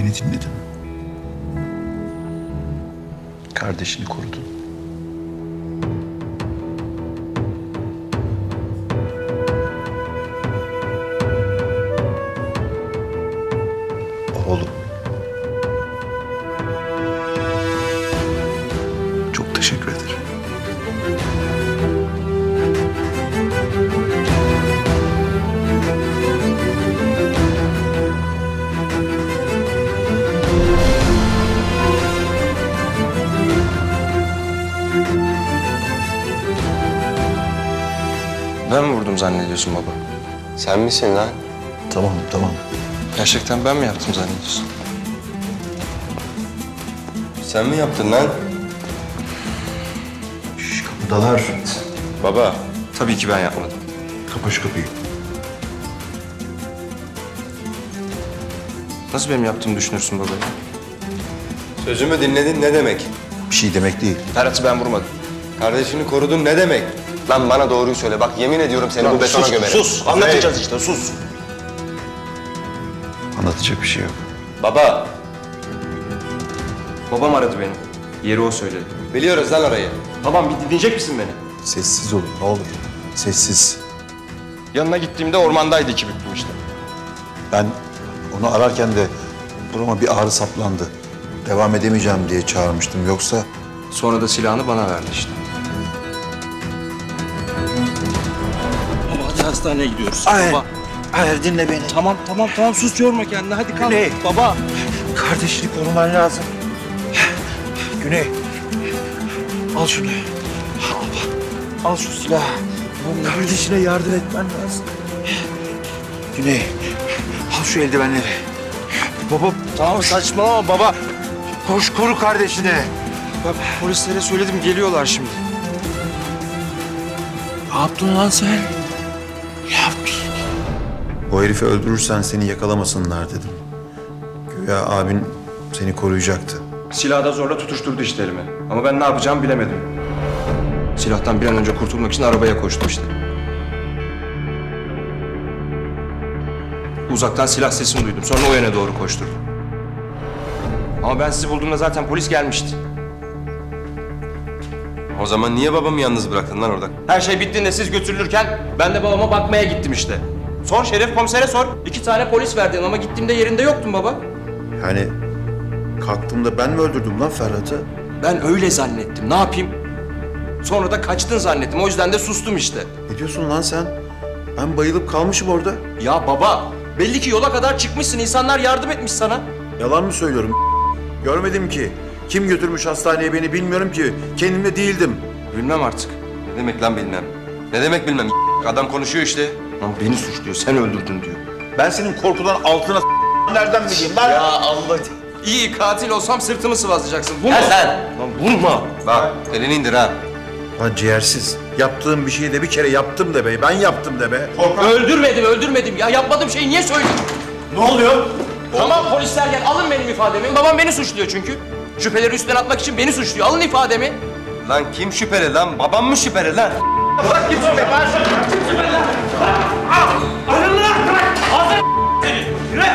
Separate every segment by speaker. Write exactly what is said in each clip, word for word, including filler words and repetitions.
Speaker 1: Beni dinledin. Kardeşini korudun. Oğlum. Çok teşekkür ederim.
Speaker 2: Ben mi vurdum zannediyorsun baba?
Speaker 3: Sen misin lan?
Speaker 1: Tamam, tamam.
Speaker 2: Gerçekten ben mi yaptım zannediyorsun?
Speaker 3: Sen mi yaptın lan?
Speaker 1: Şş, kapıdalar.
Speaker 2: Baba, tabii ki ben yapmadım.
Speaker 1: Kapa şu kapıyı.
Speaker 2: Nasıl benim yaptığımı düşünürsün baba?
Speaker 3: Sözümü dinledin ne demek?
Speaker 1: Bir şey demek değil.
Speaker 2: Ferhat'ı ben vurmadım.
Speaker 3: Kardeşini korudun ne demek? Lan bana doğruyu söyle. Bak yemin ediyorum seni bu betona gömerim.
Speaker 2: Sus, anlatacağız işte, sus.
Speaker 1: Anlatacak bir şey yok.
Speaker 3: Baba.
Speaker 2: Babam aradı beni. Yeri o söyledi.
Speaker 3: Biliyoruz lan orayı.
Speaker 2: Babam bir dinleyecek misin beni?
Speaker 1: Sessiz olun ne olur. Sessiz.
Speaker 2: Yanına gittiğimde ormandaydı iki büklüm işte.
Speaker 1: Ben onu ararken de burama bir ağrı saplandı. Devam edemeyeceğim diye çağırmıştım. Yoksa
Speaker 2: Sonra da silahını bana verdi işte.
Speaker 4: Baba hadi hastaneye gidiyoruz.
Speaker 1: Hayır.
Speaker 4: Baba.
Speaker 1: hayır dinle beni.
Speaker 4: Tamam tamam tamam sus yorma kendini hadi kalk.
Speaker 1: Güney.
Speaker 4: Baba.
Speaker 1: Kardeşini koruman lazım. Güney. Al şunu. Al, al şu silahı. Kardeşine yardım etmen lazım. Güney. Al şu eldivenleri. Baba
Speaker 4: Tamam saçmalama baba.
Speaker 1: koş koru kardeşini.
Speaker 2: Bak polislere söyledim, geliyorlar şimdi.
Speaker 4: Ne yaptın lan sen?
Speaker 1: O herifi öldürürsen seni yakalamasınlar dedim. Güya abin seni koruyacaktı.
Speaker 2: Silahı da zorla tutuşturdu işte elime. Ama ben ne yapacağımı bilemedim. Silahtan bir an önce kurtulmak için arabaya koştum işte. Uzaktan silah sesini duydum. Sonra o yöne doğru koşturdum. Ama ben sizi bulduğumda zaten polis gelmişti.
Speaker 3: O zaman niye babamı yalnız bıraktın lan orada?
Speaker 2: Her şey bittiğinde siz götürülürken ben de babama bakmaya gittim işte. Sor Şeref komisere sor. İki tane polis verdin ama gittiğimde yerinde yoktun baba.
Speaker 1: Yani kalktığımda ben mi öldürdüm lan Ferhat'ı?
Speaker 2: Ben öyle zannettim. Ne yapayım? Sonra da kaçtın zannettim. O yüzden de sustum işte.
Speaker 1: Ne diyorsun lan sen? Ben bayılıp kalmışım orada.
Speaker 2: Ya baba, belli ki yola kadar çıkmışsın. İnsanlar yardım etmiş sana.
Speaker 1: Yalan mı söylüyorum? Görmedim ki. Kim götürmüş hastaneye beni bilmiyorum ki. Kendimde değildim.
Speaker 2: Bilmem artık.
Speaker 3: Ne demek lan bilmem? Ne demek bilmem? Adam konuşuyor işte.
Speaker 2: Lan beni suçluyor. Sen öldürdün diyor.
Speaker 1: Ben senin korkudan altına nereden bileyim lan?
Speaker 2: Ya Allah. İyi katil olsam sırtımı sıvazlayacaksın. Bu mu?
Speaker 3: sen.
Speaker 2: Lan vurma.
Speaker 3: Bak elini indir ha.
Speaker 1: Lan ciğersiz. Yaptığım bir şeyi de bir kere yaptım de be. Ben yaptım de be.
Speaker 2: Öldürmedim, öldürmedim. Ya yapmadığım şeyi niye söylüyorsun?
Speaker 1: Ne oluyor?
Speaker 2: Tamam polisler gel, alın benim ifademi. Babam beni suçluyor çünkü. Şüpheleri üstten atmak için beni suçluyor. Alın ifademi.
Speaker 3: Lan kim şüpheli lan? Babam mı şüpheli lan?
Speaker 2: Bırak kim şüpheli? Ben şüpheli. Alın lan! Hazır seni. Yürü!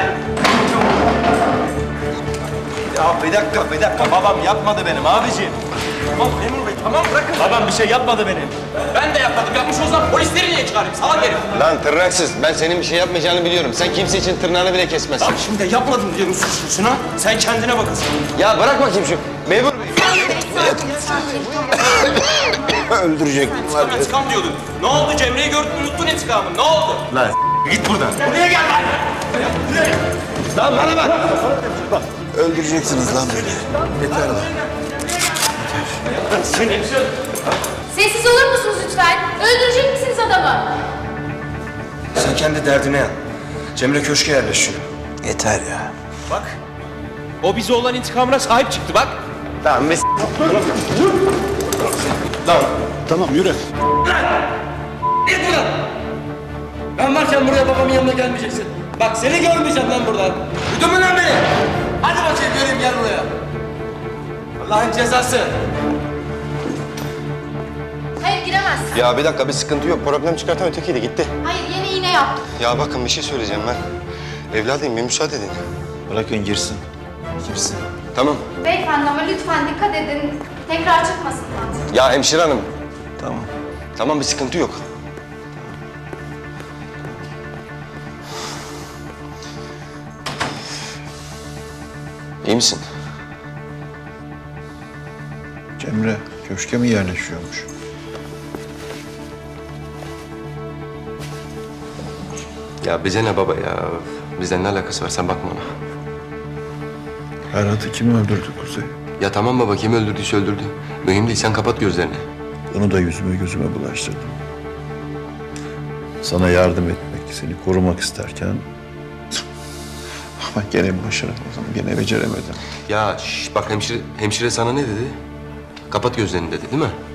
Speaker 3: Ya bir dakika bir dakika babam yapmadı benim abiciğim.
Speaker 2: Tamam memur bey, tamam bırakın.
Speaker 3: Babam bir şey yapmadı benim.
Speaker 2: Ben de yapmadım. Yapmış olsam polisleri niye çağırayım? Salak herif.
Speaker 3: Lan tırnaksız ben senin bir şey yapmayacağını biliyorum. Sen kimse için tırnağını bile kesmezsin.
Speaker 2: Bak şimdi de yapmadım diyorum suçlusun ha. Sen kendine bakasın.
Speaker 3: Ya bırak bakayım şu memur bey. Öldürecek bunlar.
Speaker 2: İntikam intikam diyordun. Ne oldu Cemre'yi gördün unuttun intikamını. Ne oldu?
Speaker 1: Lan git buradan.
Speaker 2: Buraya gel lan.
Speaker 3: Lan bana bak.
Speaker 1: Öldüreceksiniz lan beni. Yeter lan.
Speaker 5: Sessiz olur musunuz lütfen? Öldürecek misiniz adamı?
Speaker 2: Sen kendi derdine yan. Cemre köşke yerleşiyor.
Speaker 1: Yeter ya.
Speaker 4: Bak. O bize olan intikamına sahip çıktı bak.
Speaker 3: Tamam biz.
Speaker 1: Tamam yürü.
Speaker 4: Git buradan. Ben varken buraya babamın yanına gelmeyeceksin. Bak seni görmeyeceğim lan buradan. Duydun mu lan beni? Hadi bakayım göreyim gel buraya. Allah'ın cezası.
Speaker 5: Hayır giremezsin.
Speaker 3: Ya bir dakika bir sıkıntı yok. Problem çıkartan ötekiydi gitti.
Speaker 5: Hayır yeni iğne yaptım.
Speaker 3: Ya bakın bir şey söyleyeceğim ben. Evladım bir müsaade edin.
Speaker 1: Bırakın girsin. Kimsin?
Speaker 3: Tamam.
Speaker 5: Beyefendi ama lütfen dikkat edin. Tekrar çıkmasın kan.
Speaker 3: Ya hemşire hanım.
Speaker 1: Tamam.
Speaker 3: Tamam bir sıkıntı yok. İyi misin?
Speaker 1: Cemre köşke mi yerleşiyormuş?
Speaker 3: Ya bize ne baba ya? Bizden ne alakası var? Sen bakma ona.
Speaker 1: Ferhat'ı kim öldürdü Kuzey?
Speaker 3: Ya tamam baba, kim öldürdüyse öldürdü. Mühim değil, sen kapat gözlerini.
Speaker 1: Onu da yüzüme gözüme bulaştırdım. Sana yardım etmek, seni korumak isterken... Ama gene başaramadım, gene beceremedim.
Speaker 3: Ya şş, bak hemşire, hemşire sana ne dedi? Kapat gözlerini dedi değil mi?